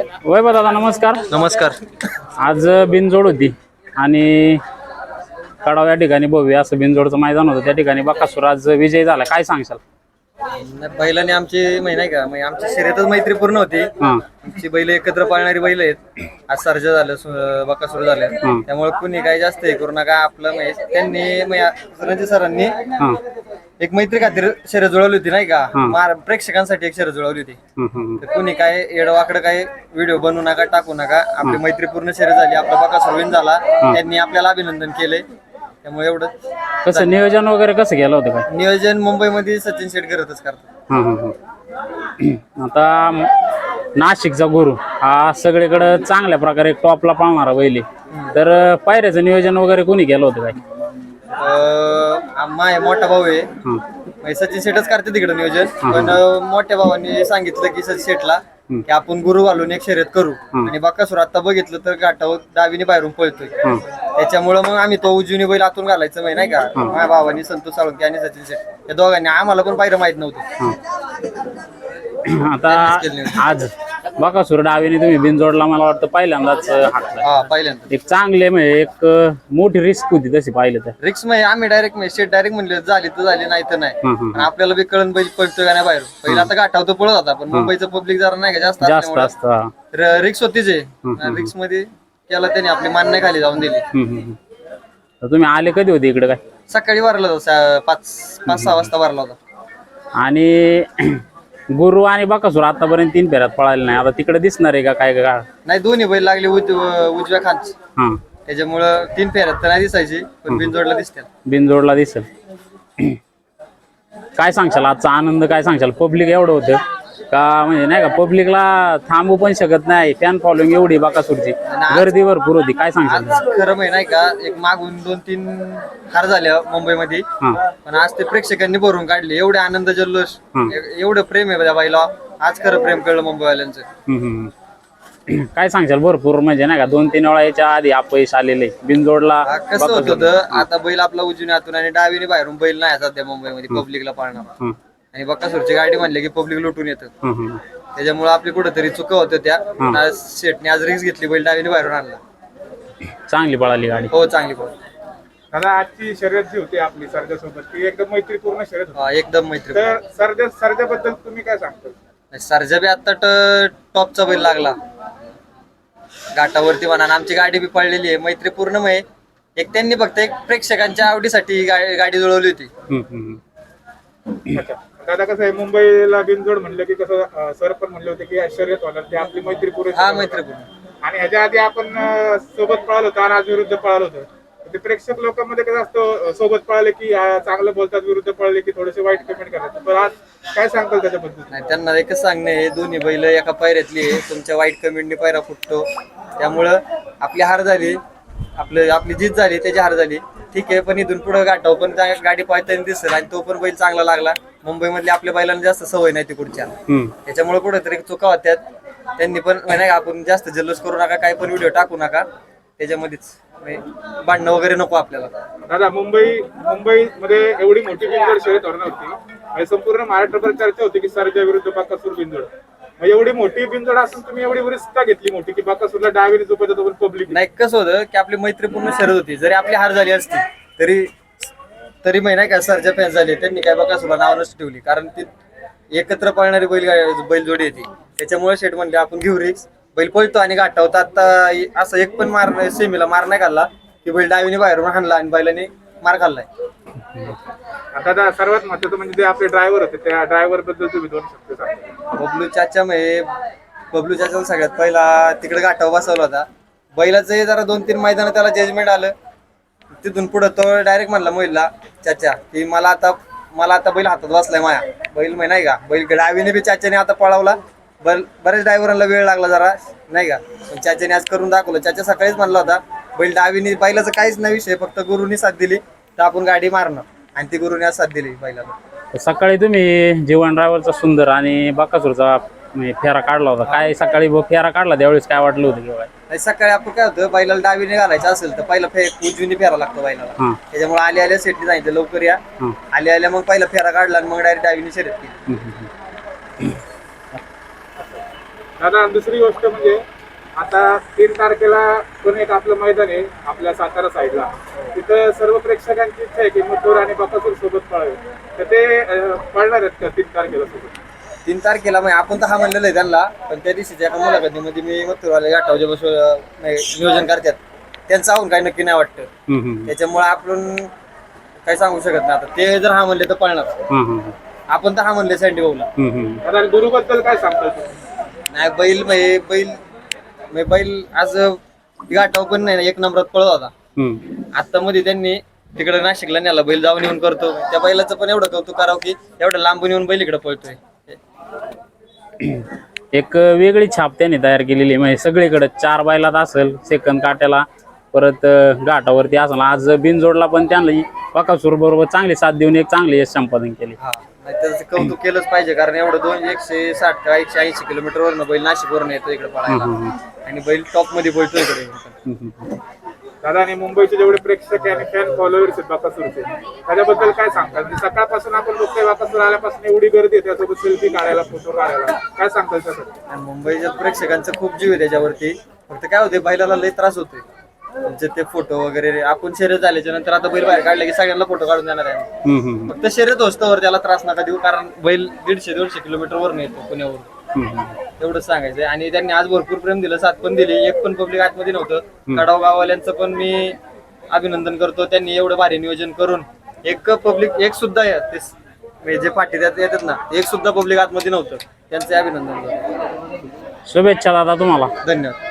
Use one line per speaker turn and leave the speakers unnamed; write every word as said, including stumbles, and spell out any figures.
वैभव दादा नमस्कार.
नमस्कार.
आज बिनजोड होती आणि कडाव या ठिकाणी भव्य असं बिनजोडचं मैदान होतं. त्या ठिकाणी बकासूर आज विजय झाला. काय सांगशाल?
बैलाने आमची माहिती नाही का म्हणजे आमची शर्यतच मैत्रीपूर्ण होती. आमची बैल एकत्र पाळणारी बैल आहेत. आज सर्जा झालं, बकासूर झालं, त्यामुळे कुणी काही जास्त हे करू नका. आपलं म्हणजे त्यांनी रणजित सरांनी एक मैत्री खातीर शर्यत जुळवली होती नाही का, प्रेक्षकांसाठी एक शर्यत जुळवली होती. तर कुणी काय येडवाकडं काय व्हिडिओ बनवू नका, टाकू नका. आपली मैत्रीपूर्ण शर्यत झाली, आपला बकासूर विन झाला, त्यांनी आपल्याला अभिनंदन केले. त्यामुळे एवढं.
कसं नियोजन वगैरे कसं केलं होतं? काय
नियोजन मुंबईमध्ये सचिन शेट करतच करतात.
आता नाशिकचा गुरु हा सगळीकडे चांगल्या प्रकारे टॉपला पाळणारा बैल, तर पायऱ्याचं नियोजन वगैरे कोणी केलं होतं? काय
माय मोठा भाऊ आहे, सचिन शेठच करते तिकडे नियोजन. पण मोठ्या भावांनी सांगितलं की सचिन शेठला की आपण गुरु घालून एक शर्यत करू. आणि बकासूर आता बघितलं तर घाटावर डावीने बाहेरून पळतोय, त्याच्यामुळं मग आम्ही तो उजवीने बैल आतून घालायचं माहिती नाही का. माझ्या भावानी संतोष साळुंके आणि सचिन शेठ या दोघांनी आम्हाला पण पायरं माहित नव्हतं.
आता आज बकासूर डावीने तुम्ही बिनजोडला मला वाटतं पहिल्यांदाच हाकला.
पहिल्यांदा
एक चांगले म्हणजे एक मोठी रिस्क होती तशी पाहिलं तर.
रिक्स म्हणजे आम्ही डायरेक्ट म्हणजे शेट डायरेक्ट म्हणले झाली तर झाली नाही तर नाही. आपल्याला बी कळण बैल पळतोय का नाही बाहेर. पहिला आता गाठावतो पळत होता, पण मुंबईचं पब्लिक जरा नाही का जास्त
जास्त असतं.
रिक्स होतीच आहे. रिक्स मध्ये त्याला त्याने आपली मान नाही खाली जाऊन दिली.
तुम्ही आले कधी होते इकडे? काय
सकाळी भरला होता, पाच पाच सहा वाजता भरला होता.
आणि गुरु आणि बकासूर आतापर्यंत तीन फेऱ्यात पळाले नाही, आता तिकडे दिसणार आहे का काय? का
नाही, दोन्ही बैल लागले उजव्या खांच, त्याच्यामुळं तीन फेऱ्यात तर नाही दिसायची, पण बिनजोडला दिसते.
बिनजोडला दिसेल. काय सांगशाल आजचा आनंद? काय सांगशाल? पब्लिक एवढं होतं का म्हणजे नाही का, पब्लिकला थांबू पण शकत नाही. फॅन फॉलोइंग एवढी बकासूरची, गर्दी भरपूर होती. काय सांगशाल?
खरं म्हणजे नाही का, एक मागून दोन तीन हार झाल्या मुंबईमध्ये, पण आज ते प्रेक्षकांनी भरून काढले. एवढे आनंद जल्लोष, एवढं प्रेम आहे बाईला. आज खरं प्रेम कळलं मुंबईवाल्यांचं.
काय सांगशाल? भरपूर म्हणजे नाही का, दोन तीन वेळा याच्या आधी अपयश आलेले बिनजोडला.
कसं होत होतं, आता बैल आपला उजवीने आतून आणि डावीने बाहेरून बैल नाही सध्या मुंबईमध्ये पब्लिकला पाळणार. आणि बकासूरची गाडी म्हणले की पब्लिक लुटून येतं, त्याच्यामुळे आपली कुठेतरी चुका होत्या. त्या शेटने आज रिक्स घेतली, बैल डावीने बाहेरून आणला.
चांगली पळाली गाडी.
हो, चांगली पळाली.
दादा आजची शर्यत जी होती आपली सरजा सोबत, ती एकदम मैत्रीपूर्ण शर्यत होती.
एकदम मैत्री.
तर सरजा सरजाबद्दल तुम्ही काय सांगता?
सरजा बी आता टॉपचा बैल लागला घाटावरती म्हणा. आमची गाडी बी पळलेली आहे मैत्रीपूर्ण. म्हणजे एक त्यांनी फक्त एक प्रेक्षकांच्या आवडीसाठी गाडी जुळवली होती.
दादा कसं आहे, मुंबईला बिनजोड म्हणलं की कसं सर पण म्हणले होते की शर्यत होणार, ते आपली मैत्रीपूर्ण.
हा, मैत्रीपूर्ण.
आणि ह्याच्या आधी आपण सोबत पळालो होतो आणि आज विरुद्ध पळालो होतो. ते प्रेक्षक लोकांमध्ये कसं असतं, सोबत पळाले की चांगलं बोलतात, विरुद्ध पळले की थोडेसे वाईट कमेंट करतात. पण आज काय सांगताल त्याच्याबद्दल?
नाही, त्यांना एकच सांगणे, हे दोन्ही बैल एका पायऱ्यातली आहे. तुमच्या वाईट कमेंटनी पायरा फुटतो, त्यामुळं आपली हार झाली, आपलं आपली जीत झाली, त्याची हार झाली, ठीक आहे. पण इथून पुढे गाठाव पण गाडी पळताना दिसेल आणि तो पण बैल चांगला लागला. मुंबईमधल्या आपल्या बैलांना जास्त सवय नाही तिकडच्या, त्याच्यामुळे कुठेतरी चुका होत्यात. त्यांनी पण नाही, आपण जास्त जल्लोष करू नका, काय पण व्हिडिओ टाकू नका, त्याच्यामध्येच भांडणं वगैरे नको आपल्याला.
दादा मुंबई मुंबईमध्ये एवढी मोठी बिनजोड शर्यत होणार होती आणि संपूर्ण महाराष्ट्रभर चर्चा होती की सरजा विरुद्ध बकासूर बिनजोड. एवढी मोठी बिनजोड असून तुम्ही एवढी रिस्क का घेतली मोठी की बकासूरला डावीने झोपत होतं पण पब्लिक?
नाही, कसं होतं की आपली मैत्रीपूर्ण शर्यत होती. जरी आपली हार झाली असती तरी तरी नाही का, सरजा फॅन झाले, त्यांनी काय बकासूरला नाव नसती ठेवली, कारण ती एकत्र पळणारी बैल बैलजोडी येते. त्याच्यामुळे शेट म्हणले आपण घेऊ रिक्स, बैल पळतो आणि गाठावतो. आता असं एक पण मार सेमीला मार नाही खाल्ला की बैल डावीने बाहेरून हाणला आणि बैलाने मार खाल्लाय.
आता सर्वात महत्वाचं म्हणजे जे आपले ड्रायव्हर होते, त्या ड्रायव्हर बद्दल तुम्ही दोन शब्द सांगा.
बबलू चाचा म्हणजे बबलू चाचा सगळ्यात पहिला तिकडे गाठावर बसवला होता. बैलाचं जरा दोन तीन मैदान त्याला जजमेंट आलं, तिथून पुढे तो डायरेक्ट म्हणला मोहिलला चाचा की मला आता मला आता बैल हातात बसलाय माया. बैल माहिती नाही का, बैल डावीने बी चाच्याने आता पळवला. बर बऱ्याच ड्रायव्हरांना वेळ लागला जरा नाही का, पण चाच्याने आज करून दाखवलं. चाचा सकाळीच म्हणला होता बैल डावीने, बैलाचं काहीच नाही विषय, फक्त गुरुनी साथ दिली तर आपण गाडी मारणार, आणि ती गुरुने आज साथ दिली बैलाला.
सकाळी तुम्ही जीवन ड्रायव्हरचा सुंदर आणि बकासूरचा फेरा काढला होता. काय सकाळी फेरा काढला त्यावेळेस काय वाटलं होतं किंवा?
नाही, सकाळी आपण काय होतं, बैलाला डावीने घालायचं असेल तर पहिला फे उजवीने फेरा लागतो बैलाला. त्याच्यामुळे आल्या आल्या सेटने सांगितलं लवकर या. आल्या आल्या मग पहिला फेरा काढला आणि मग डायरेक्ट डावीने शर्यत केली.
दादा दुसरी गोष्ट म्हणजे आता तीन तारखेला पण एक आपलं मैदान आहे आपल्या सातारा साईडला, तिथं सर्व प्रेक्षकांची इच्छा आहे की मथुर आणि बकासूर सोबत पळावे, तर ते अं, पळणार आहेत का तीन तारखेला सोबत?
तीन तारखेला मग आपण तर हा म्हणलेलं आहे त्यांना, पण त्या दिवशीच्या एका मुलाखतीमध्ये मी मथुरवाले गाठावजे बसून नियोजन करतात त्यांचं आहोत काही नक्की नाही वाटतं.
हम्म, हम्म,
त्याच्यामुळे आपण काही सांगू शकत नाही. आता ते जर हा म्हणले तर पळणार,
हम्म, हम्म,
आपण तर हा म्हणले सँडी भाऊला.
हम्म, हम्म.
दादा गुरुबद्दल काय सांगताय तुम्ही?
नाही बैल म्हणजे बैल म्हणजे बैल आज गाठाव पण नाही ना, एक नंबरात पळत होता.
हम्म.
आता मध्ये त्यांनी तिकडे नाशिकला नेला बैल, जाऊन येऊन करतो. त्या बैलाचं पण एवढं कौतुक करावं की एवढं लांबून येऊन बैल इकडे पळतोय.
एक वेगळी छाप त्यांनी तयार केलेली आहे. म्हणजे सगळीकडे चार बैलात असेल, सेकंद काट्याला, परत अं, घाटावरती असेल. आज बिनजोडला पण त्यांना बकासूर बरोबर चांगली साथ देऊन एक चांगली यश संपादन केली.
हा नाही त्याचं कौतुक केलंच पाहिजे, कारण एवढं दोन एकशे साठ का एकशे ऐंशी किलोमीटर वरनं बैल नाशिक वरून येतो इकडे पळायला, आणि बैल टॉप मध्ये पळतो इकडे.
हम्म, हम्म.
दादा आणि मुंबईचे जेवढे प्रेक्षक आणि फॅन फॉलोअर्स आहेत बकासूरचे, त्याच्याबद्दल काय सांगतात? म्हणजे सकाळपासून आपण बघतोय बकासूर आल्यापासून एवढी गर्दी आहे त्यासोबत सेल्फी काढायला, फोटो काढायला, काय सांगतात त्यासाठी?
आणि मुंबईच्या प्रेक्षकांचं खूप जीव आहे त्याच्यावरती. फक्त काय होते बैलाला लय त्रास होतोय, म्हणजे ते फोटो वगैरे आपण शर्यत झाल्याच्या नंतर आता बैल बाहेर काढले की सगळ्यांना फोटो काढून देणार आहे.
हम्म, हम्म,
फक्त शर्यत होस्तवर त्याला त्रास नका देऊ, कारण बैल दीडशे दोनशे किलोमीटर वरून येतो पुण्यावरून.
हम्म.
एवढंच सांगायचंय. आणि त्यांनी आज भरपूर प्रेम दिलं, साथ पण दिली. एक पण पब्लिक आतमध्ये नव्हतं. कडाव गाववाल्यांचं पण मी अभिनंदन करतो, त्यांनी एवढं भारी नियोजन करून एक पब्लिक एक सुद्धा ते म्हणजे जे पाठी त्यात येतात ना, एक सुद्धा पब्लिक आतमध्ये नव्हतं. त्यांचे अभिनंदन करतो.
शुभेच्छा दादा तुम्हाला.
धन्यवाद.